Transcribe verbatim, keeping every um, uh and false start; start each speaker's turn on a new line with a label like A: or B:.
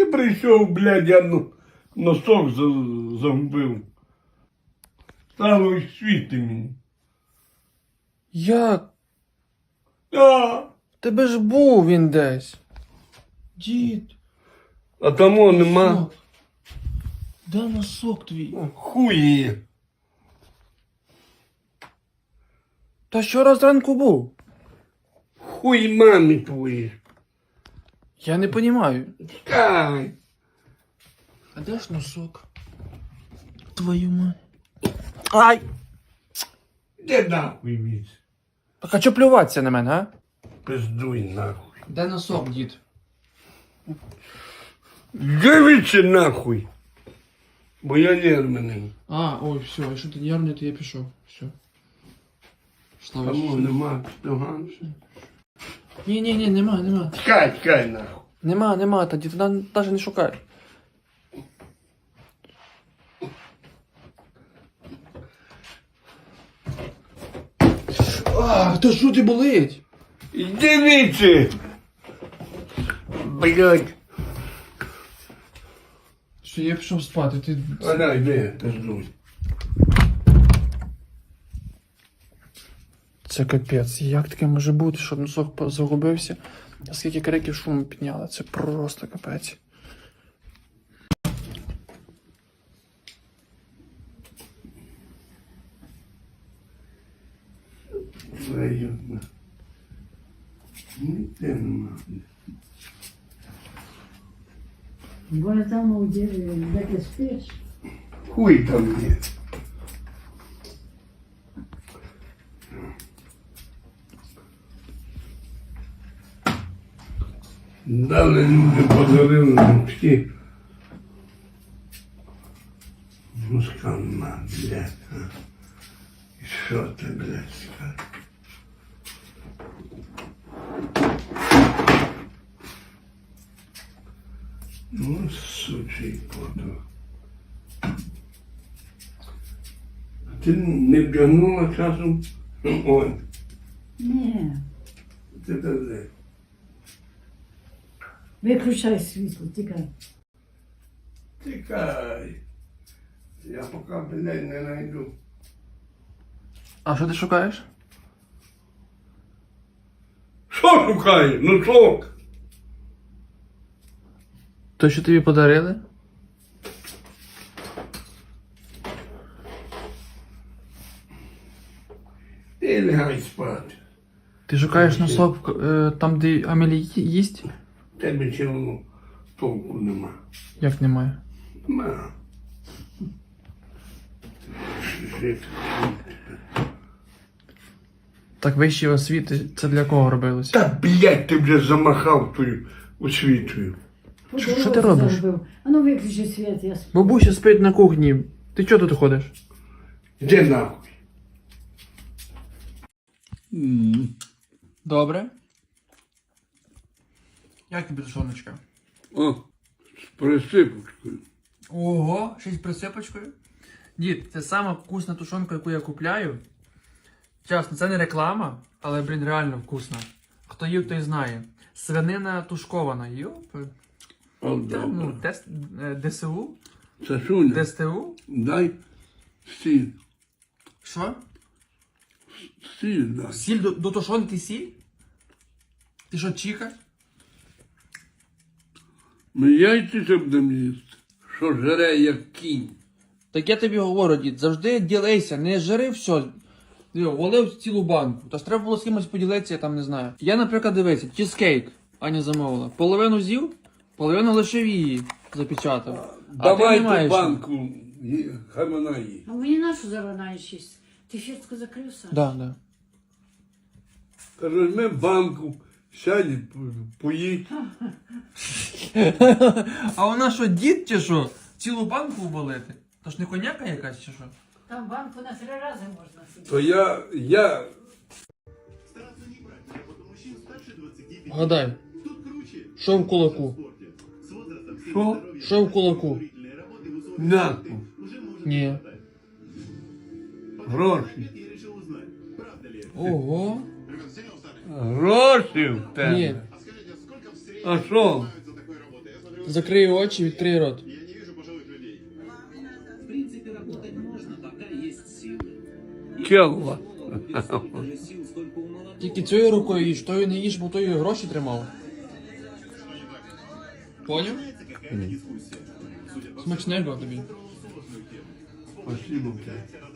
A: прийшов, блядь, я ну, носок за- загубив. Стало й світи мені.
B: Як?
A: А,
B: Тебе ж був він десь. Дід.
A: а тому нема.
B: Носок. Де носок твій?
A: Хуї.
B: Та що раз зранку був?
A: Хуй мамі твої.
B: Я не понімаю.
A: Тікай.
B: А де ж носок? Твою мать. Ай!
A: Де нахуй віз?
B: Так а чо плюватися на мене, а?
A: Пиздуй нахуй.
B: Де носок, дід?
A: Дивіться нахуй. Бо я нервний.
B: А, ой, все, якщо ти нервний, то я пішов. Все. Слава
A: Тому
B: Ісусу.
A: нема доганця.
B: Ні, ні, ні, нема, нема.
A: Тікай, тікай нахуй.
B: Нема, нема, тоді туди навіть не шукай. А, та що ти болить?
A: Дивіться. Блядь.
B: Що, я пішов спати, ти...
A: Вона йде, пиздуй.
B: Це капець, як таке може бути, щоб носок загубився? А скільки криків шуму підняли, це просто капець.
A: Твою. Ніде нема.
C: Бо там у дереві, де ти спиш,
A: Хуй там є. Дали люди, подарили ручки. Мускана, блядь. А. І що ти, блядь, скажеш? Ну, сучий подруг. А ти не вдягнула часом? Ой,
C: ні,
A: ти де?
C: виключай світло, тікай.
A: Тікай. Я поки, блядь, не найду.
B: А що ти шукаєш?
A: Що шукаєш? Ну що?
B: То, що тобі подарили?
A: Ти лягай спати.
B: Ти шукаєш носок е, там, де Амелі ї- їсть?
A: Тебе цілого толку нема.
B: Як немає?
A: Нема. Жити.
B: Так вищі освіти, це для кого робилося?
A: Та, блядь, ти вже замахав тою освітою.
C: По
B: Що- що
C: дорозі
B: ти робиш?
C: загубив. А ну виключи світ, я сплю.
B: Бабуся спить на кухні. Ти чого тут ходиш?
A: Де нахуй?
B: Добре. Як тобі тушоночка?
A: О, з присипочкою.
B: Ого, ще й з присипочкою. Дід, це сама вкусна тушонка, яку я купляю. Чесно, це не реклама, але, блін, реально вкусна. Хто їв, той знає. Свинина тушкована. Йоп.
A: О,
B: Та, ну,
A: добре.
B: тест, е, ДСУ?
A: Сашуня,
B: ДСТУ?
A: дай сіль.
B: Що?
A: Сіль дай.
B: Сіль до, до тушонки сіль? Ти що, чіка?
A: Ми яйці ще будемо їсти. Що жере, як кінь.
B: Так я тобі говорю, дід, завжди ділися, не жири все. Диво, волив цілу банку. Та ж треба було з кимось поділитися, я там не знаю. Я, наприклад, дивися, чизкейк Аня замовила. Половину з'їв, половину лишив її запечатав. А ти не
A: Давайте
B: маєш.
A: банку, ї- хай вона їсть.
C: А мені нашу заронаєш їсть? Ти фіртку закрив, Саш?
B: Да, да.
A: Та візьми банку, сядь, і по- поїдь.
B: А вона що, дід чи що? Цілу банку вболити? То ж не коняка якась чи що?
C: Там банку на три рази можна сидіти.
A: То я, я,
B: Гадай. Що в кулаку?
A: що?
B: Що в кулаку?
A: М'яку,
B: Ні.
A: гроші.
B: Ого.
A: Гроші в тебе.
B: Ні.
A: А що?
B: Закрий очі, відкрий рот.
A: Келла.
B: Тільки цією рукою їж, тою не їж, бо тою гроші тримав. Поняв? Смачного тобі.
A: Спасибо тебе.